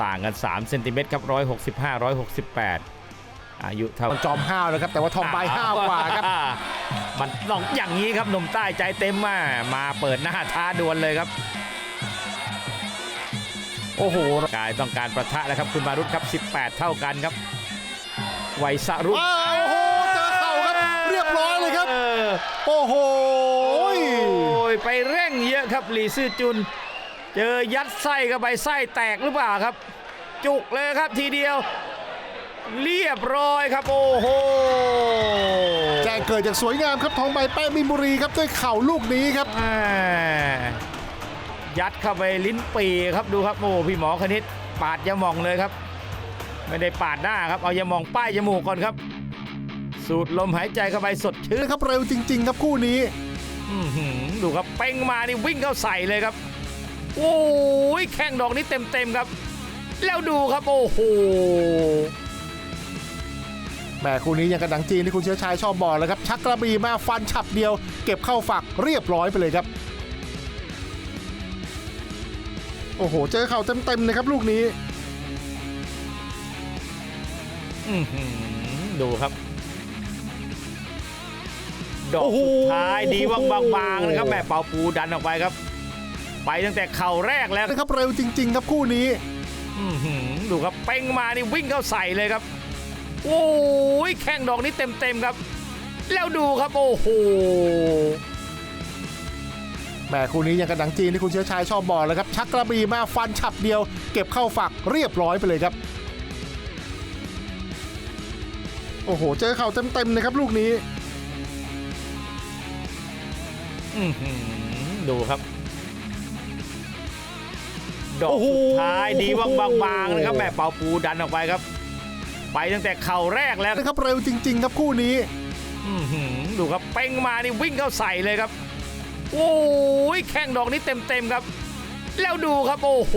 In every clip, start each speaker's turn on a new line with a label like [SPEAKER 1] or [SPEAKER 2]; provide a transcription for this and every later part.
[SPEAKER 1] ต่างกัน3เซนติเมตรครับ165 168อายุเท่า
[SPEAKER 2] จอมห้าวนะครับแต่ว่าทองใบห้าวกว่าครับ
[SPEAKER 1] มันต้องอย่างนี้ครับหนุ่มใต้ใจเต็มมาเปิดหน้าท้าดวลเลยครับโอ้โหกายต้องการประทะแล้วครับคุณมารุตครับ18เท่ากันครับไวสรุป
[SPEAKER 2] โอ้โหเจอเข่าครับเรียบร้อยเลยครับโอ้โห
[SPEAKER 1] ไปเร่งเยอะครับหลี่ซื่อจุนเจอยัดไส้เข้าไปไส้แตกหรือเปล่าครับจุกเลยครับทีเดียวเรียบร้อยครับโอ้โห
[SPEAKER 2] แจ้งเกิดจากสวยงามครับทองใบแป้มีนบุรีครับด้วยเข่าลูกนี้ครับ
[SPEAKER 1] ยัดเข้าไปลิ้นปีครับดูครับโอ้พี่หมอคณิตปาดยาหม่องเลยครับไม่ได้ปาดหน้าครับเอายาหม่องป้ายจมูกก่อนครับสูดลมหายใจเข้าไปสดชื่น
[SPEAKER 2] ครับเร็วจริงๆครับคู่นี้
[SPEAKER 1] ดูครับเป้งมานี่วิ่งเข้าใส่เลยครับโอ้ยแข้งดอกนี้เต็มครับแล้วดูครับโอ้โห
[SPEAKER 2] แม่คู่นี้ยังกระดังจีนที่คุณเชื้อชายชอบบอกเลยครับชักกระบี่มาฟันฉับเดียวเก็บเข้าฝักเรียบร้อยไปเลยครับโอ้โหเจอเข่าเต็มเลยครับลูกนี้
[SPEAKER 1] ดูครับดอกสุดท้ายดีบางๆนะครับแม่เป่าปูดันออกไปครับไปตั้งแต่เข่าแรกแล้ว
[SPEAKER 2] นะครับเร็วจริงๆครับคู่นี้
[SPEAKER 1] ดูครับเป้งมานี่วิ่งเข้าใส่เลยครับโอ้ยแข้งดอกนี้เต็มครับแล้วดูครับโอ้โห
[SPEAKER 2] แม่คู่นี้ยังกระดังจีนที่คุณเชื้อชายชอบบอกเลยครับชักกระบี่มาฟันฉับเดียวเก็บเข้าฝักเรียบร้อยไปเลยครับโอ้โหเจอเข่าเต็มเลยครับลูกนี้
[SPEAKER 1] ดูครับดอกสุดท้ายดีบางๆนะครับแม่เป่าปูดันออกไปครับไปตั้งแต่เข่าแรกแล้ว
[SPEAKER 2] นะครับเร็วจริงๆครับคู่นี้
[SPEAKER 1] ดูครับเป้งมานี่วิ่งเข้าใส่เลยครับโอ้ยแข้งดอกนี้เต็มครับแล้วดูครับโอ้โห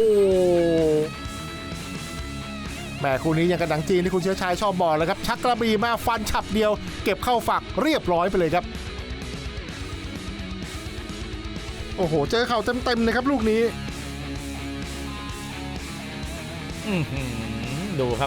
[SPEAKER 2] แม่คู่นี้ยังกระดังจีนที่คุณเชื้อชายชอบบอกเลยครับชักกระบี่มาฟันฉับเดียวเก็บเข้าฝักเรียบร้อยไปเลยครับโอ้โหเจอเข่าเต็มเลยครับลูกนี้
[SPEAKER 1] ดูครับ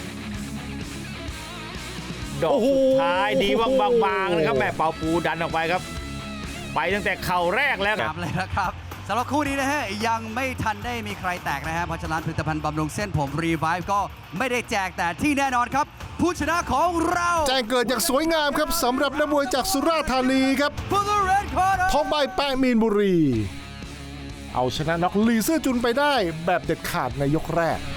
[SPEAKER 1] ดอกสุดท้ายดีบางๆนะครับแม่เป่าปูดันออกไปครับไปตั้งแต่เข่าแรกแล้ว
[SPEAKER 3] ครับเลยนะครับสำหรับคู่นี้นะฮะยังไม่ทันได้มีใครแตกนะฮะเพราะฉะนั้นผลิตภัณฑ์บำรุงเส้นผมรีไวฟ์ก็ไม่ได้แจกแต่ที่แน่นอนครับผู้ชนะของเรา
[SPEAKER 2] แจ้งเกิดอย่างสวยงามครับสำหรับนักมวยจากสุราษฎร์ธานีครับทองใบแป้มีนบุรีเอาชนะน็อกหลี่ซื่อจุนไปได้แบบเด็ดขาดในยกแรก